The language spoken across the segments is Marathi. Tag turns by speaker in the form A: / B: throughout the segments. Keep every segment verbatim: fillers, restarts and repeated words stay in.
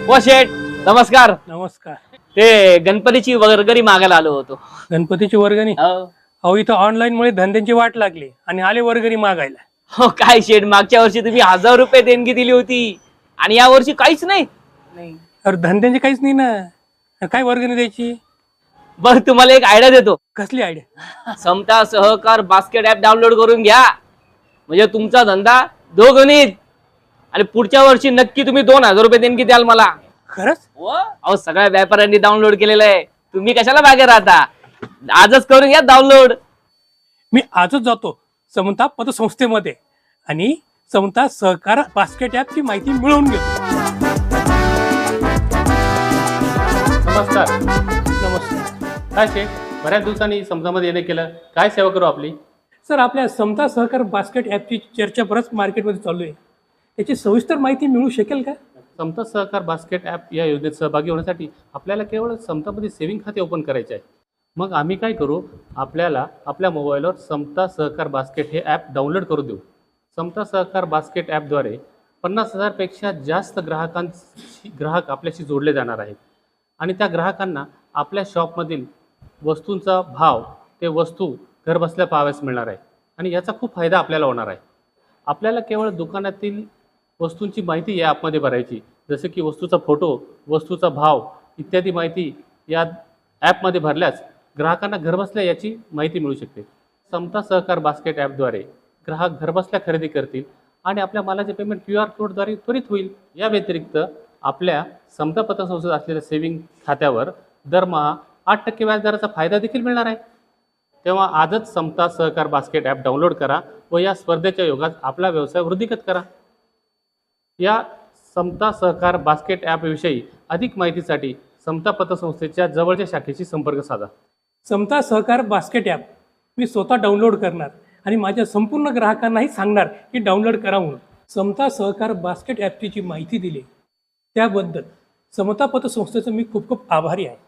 A: ओ शेठ नमस्कार.
B: नमस्कार.
A: ते गणपतीची वर्गणी मागायला आलो होतो.
B: गणपतीची वर्गणी?
A: हो
B: अहो इथं ऑनलाईन मुळे धंद्यांची वाट लागली आणि आले वर्गणी मागायला.
A: हो काय शेठ, मागच्या वर्षी तुम्ही हजार रुपये देणगी दिली होती आणि या वर्षी काहीच नाही.
B: नाही अरे धंद्यांची काहीच नाही ना, काय वर्गणी द्यायची?
A: बरं तुम्हाला एक आयडिया देतो.
B: कसली आयडिया?
A: समता सहकार बास्केट ऍप डाउनलोड करून घ्या, म्हणजे तुमचा धंदा दोघणीत आणि पुढच्या वर्षी नक्की तुम्ही दोन हजार रुपये देणगी द्याल मला.
B: खरंच?
A: अहो सगळ्या व्यापाऱ्यांनी डाउनलोड केलेलं आहे, तुम्ही कशाला मागे राहता? आजच करून घ्या डाउनलोड.
B: मी आजच जातो समता पतसंस्थेमध्ये आणि समता सहकार बास्केट ॲपची माहिती मिळवून घेतो.
C: नमस्कार.
B: नमस्कार.
C: काय शेठ, बऱ्याच दिवसांनी समजामध्ये येणे केलं, काय सेवा करू आपली?
B: सर आपल्या समता सहकार बास्केट ॲपची चर्चा बरंच मार्केटमध्ये चालू आहे, त्याची सविस्तर माहिती मिळू शकेल का?
C: समता सहकार बास्केट ॲप या योजनेत सहभागी होण्यासाठी आपल्याला केवळ समतामध्ये सेव्हिंग खाते ओपन करायचे आहे. मग आम्ही काय करू, आपल्याला आपल्या मोबाईलवर समता सहकार बास्केट हे ॲप डाउनलोड करू देऊ. समता सहकार बास्केट ॲपद्वारे पन्नास हजारपेक्षा जास्त ग्राहकांशी ग्राहक आपल्याशी जोडले जाणार आहेत आणि त्या ग्राहकांना आपल्या शॉपमधील वस्तूंचा भाव, ते वस्तू घरबसल्या पाहाव्यास मिळणार आहे आणि याचा खूप फायदा आपल्याला होणार आहे. आपल्याला केवळ दुकानातील वस्तूंची माहिती या ॲपमध्ये भरायची, जसे की वस्तूचा फोटो, वस्तूचा भाव इत्यादी माहिती या ॲपमध्ये भरल्यास ग्राहकांना घरबसल्या याची माहिती मिळू शकते. समता सहकार बास्केट ॲपद्वारे ग्राहक घरबसल्या खरेदी करतील आणि आपल्या मालाचे पेमेंट क्यू आर कोडद्वारे त्वरित होईल. या व्यतिरिक्त आपल्या समता पतसंस्थेत असलेल्या सेव्हिंग खात्यावर दरमहा आठ टक्के व्याजदराचा फायदा देखील मिळणार आहे. तेव्हा आजच समता सहकार बास्केट ॲप डाउनलोड करा व या स्पर्धेच्या योगात आपला व्यवसाय वृद्धिंगत करा. या समता सहकार बास्केट ॲपविषयी अधिक माहितीसाठी समता पतसंस्थेच्या जवळच्या शाखेशी संपर्क साधा.
B: समता सहकार बास्केट ॲप मी स्वतः डाउनलोड करणार आणि माझ्या संपूर्ण ग्राहकांनाही सांगणार की डाउनलोड करा म्हणून. समता सहकार बास्केट ॲपची जी माहिती दिली त्याबद्दल समता पतसंस्थेचं मी खूप खूप आभारी आहे.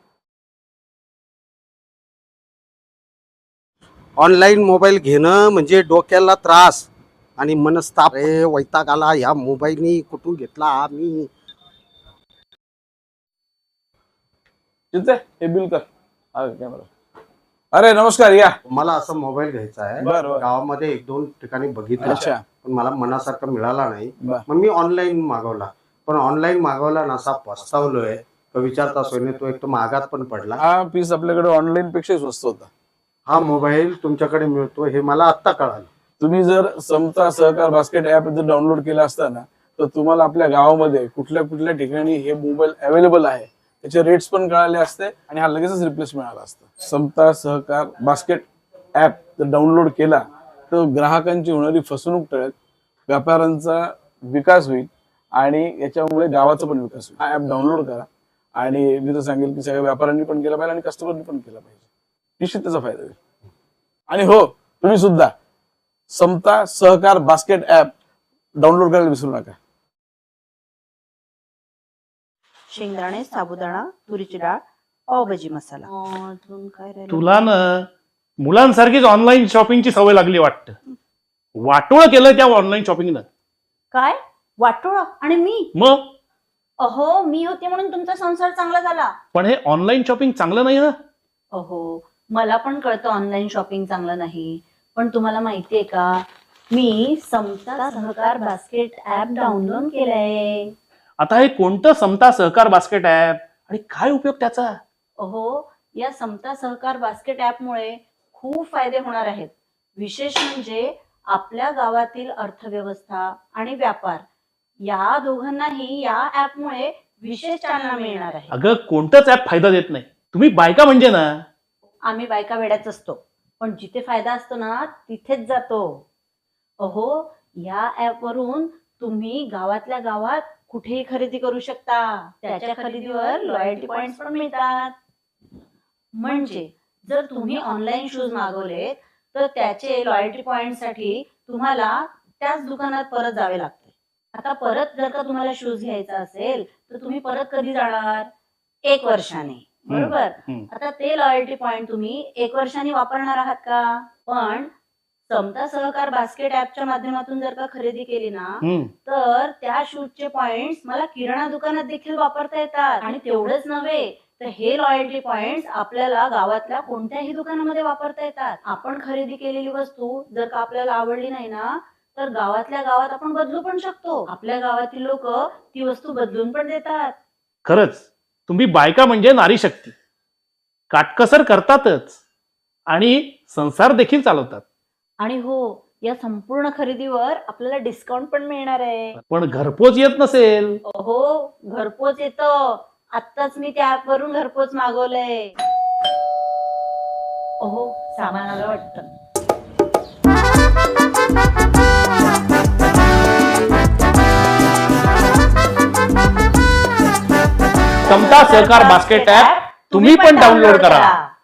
D: ऑनलाईन मोबाईल घेणं म्हणजे डोक्याला त्रास आणि मनस्ताप. रे वैताग आला ह्या मोबाईलनी, कुठून घेतला मी.
E: हे बिल कर. कॅमेरा. अरे नमस्कार, या.
D: मला असं मोबाईल घ्यायचा आहे.
E: बरं, बरं.
D: गावामध्ये एक दोन ठिकाणी बघितलं,
E: अच्छा.
D: पण मला मनासारखा मिळाला नाही.
E: बरं.
D: मग मी ऑनलाईन मागवला, पण ऑनलाईन मागवला नसा पस्तावलोय. तो विचारता सोयने तो एक तो महागात पण पडला.
E: हा पीस आपल्याकडे ऑनलाईन पेक्षा स्वस्त होता.
D: हा मोबाईल तुमच्याकडे मिळतो हे मला आत्ता कळालं.
E: तुम्ही जर समता सहकार बास्केट ऍप जर डाउनलोड केला असताना तर तुम्हाला आपल्या गावामध्ये कुठल्या कुठल्या ठिकाणी हे मोबाईल अवेलेबल आहे त्याचे रेट्स पण कळाले असते आणि हा लगेचच रिप्लेस मिळाला असता. समता सहकार बास्केट ऍप जर डाउनलोड केला तर ग्राहकांची होणारी फसवणूक टळेल, व्यापाऱ्यांचा विकास होईल आणि याच्यामुळे गावाचा पण विकास होईल. हा ऍप डाउनलोड करा आणि मी तर सांगेल की सगळ्या व्यापाऱ्यांनी पण केला पाहिजे आणि कस्टमरनी पण केला पाहिजे. निश्चित त्याचा फायदा होईल. आणि हो, तुम्ही सुद्धा समता सहकार बास्केट ऍप डाउनलोड करायला विसरू नका.
F: शेंगदाणे, साबुदाणा, तुरीची डाळ, पावभाजी मसाला. अजून काय राहिलं?
G: तुला ना मुलांसारखीच ऑनलाईन शॉपिंगची सवय लागली वाटतं. वाटोळं केलं त्या ऑनलाईन शॉपिंगनं.
F: काय वाटोळा? आणि मी?
G: मग
F: अहो मी होते म्हणून तुमचा संसार चांगला झाला.
G: पण हे ऑनलाईन शॉपिंग चांगलं नाही ना.
F: अहो मला पण कळतं ऑनलाईन शॉपिंग चांगलं नाही, पण तुम्हाला माहितीये का मी समता सहकार बास्केट ऍप डाउनलोड केलंय.
G: आता हे कोणतं समता सहकार बास्केट ऍप आणि काय उपयोग त्याचा?
F: अहो या समता सहकार बास्केट ऍप मुळे खूप फायदे होणार आहेत. विशेष म्हणजे आपल्या गावातील अर्थव्यवस्था आणि व्यापार या दोघांनाही या ऍप मुळे विशेष चालना मिळणार आहे.
G: अगं कोणतंच ऍप फायदा देत नाही. तुम्ही बायका म्हणजे ना.
F: आम्ही बायका वेड्याच असतो, पण जिथे फायदा असतो ना तिथेच जातो. अहो या ऍप वरून तुम्ही गावातल्या गावात कुठेही खरेदी करू शकता. त्याच्या खरेदीवर लॉयल्टी पॉइंट्स पण मिळतात. म्हणजे जर तुम्ही ऑनलाईन शूज मागवले तर त्याचे लॉयल्टी पॉइंट साठी तुम्हाला त्याच दुकानात परत जावे लागते. आता परत जर का तुम्हाला शूज घ्यायचा असेल तर तुम्ही परत कधी जाणार? एक वर्षाने, बरोबर. आता ते लॉयल्टी पॉइंट तुम्ही एक वर्षाने वापरणार आहात का? पण समता सहकार बास्केट ऍपच्या माध्यमातून जर का खरेदी केली ना
G: हम्म.
F: तर त्या शूटचे पॉइंट्स मला किराणा दुकानात देखील वापरता येतात. आणि तेवढंच नव्हे तर हे लॉयल्टी पॉइंट्स आपल्याला गावातल्या कोणत्याही दुकानामध्ये वापरता येतात. आपण खरेदी केलेली वस्तू जर का आपल्याला आवडली नाही ना तर गावातल्या गावात आपण बदलू पण शकतो. आपल्या गावातील लोक ती वस्तू बदलून पण देतात.
G: खरंच तुम्ही बायका म्हणजे नारी शक्ती, काटकसर करतातच आणि संसार देखील चालवतात.
F: आणि हो, या संपूर्ण खरेदीवर आपल्याला डिस्काउंट पण मिळणार आहे.
G: पण घरपोच येत नसेल
F: हो, घरपोच येतं. आत्ताच मी त्या ऍप वरून घरपोच मागवलंय. ओहो, सामान आलं वाटतं.
G: समता सहकार बास्केट ऍप तुम्ही पण डाउनलोड करा.